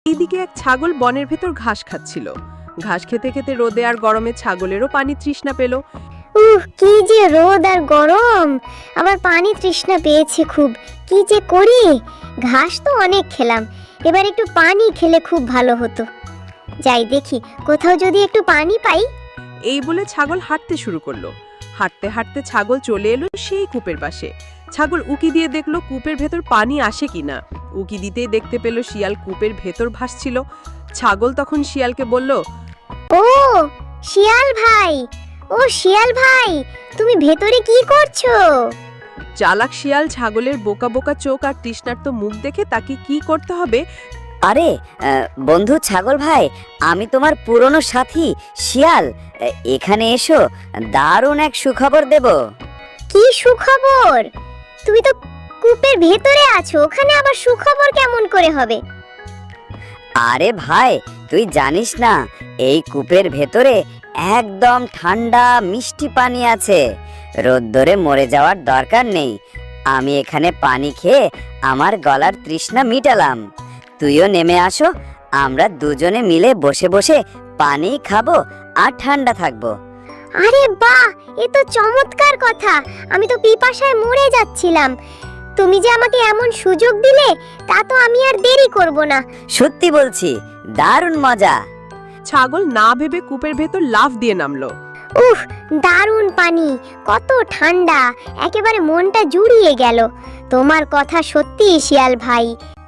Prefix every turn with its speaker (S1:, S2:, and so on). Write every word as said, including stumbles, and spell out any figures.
S1: এইদিকে এক ছাগল বনের ভেতর ঘাস খাচ্ছিল। ঘাস খেতে খেতে রোদে আর গরমে ছাগলেরও পানি তৃষ্ণা পেল।
S2: উহ, কি যে রোদ আর গরম, আবার পানি তৃষ্ণা পেয়েছে খুব। কি যে করি, ঘাস তো অনেক খেলাম, এবার একটু পানি খেলে খুব ভালো হতো। যাই দেখি কোথাও যদি একটু পানি পাই।
S1: এই বলে ছাগল হাঁটতে শুরু করলো। হাঁটতে হাঁটতে ছাগল চলে এলো সেই কূপের পাশে। ছাগল উকি দিয়ে দেখলো কূপের ভেতর পানি আসে কিনা। উকি দিতেই দেখতে পেল শিয়াল কূপের ভেতর ভাসছিল। ছাগল তখন শিয়ালকে বলল,
S2: ও শিয়াল ভাই, ও শিয়াল ভাই, তুমি ভেতরে কি করছো?
S1: চালাক শিয়াল ছাগলের বোকা বোকা চোখ আর তৃষ্ণার্ত মুখ দেখে তাকে কি করতে হবে।
S3: আরে আহ, বন্ধু ছাগল ভাই, আমি তোমার পুরনো সাথী শিয়াল। এ- এখানে এসো, দারুণ এক সুখবর দেব।
S2: কি সুখবর? তুমি তো কূপের ভেতরে আছো, ওখানে আবার সুখবর কেমন করে হবে?
S3: আরে ভাই, তুই জানিস না, এই কূপের ভেতরে একদম ঠান্ডা মিষ্টি পানি আছে। রোদ্দুরে মরে যাওয়ার দরকার নেই। আমি এখানে পানি খেয়ে আমার গলার তৃষ্ণা মিটালাম। তুইও নেমে আসো, আমরা দুজনে মিলে বসে বসে পানি খাবো আর ঠান্ডা থাকবো।
S2: আরে বাহ, এ তো চমৎকার কথা। আমি তো পিপাসায় মরে যাচ্ছিলাম, তুমি যে আমাকে এমন সুযোগ দিলে, তা তো আমি আর দেরি করব না।
S3: সত্যি বলছি, দারুণ মজা।
S1: ছাগল না ভেবে কূপের ভেতর লাফ দিয়ে নামলো।
S2: উফ, দারুণ পানি, কত ঠান্ডা, একেবারে মনটা জুড়িয়ে গেল। তোমার কথা সত্যি শিয়াল ভাই,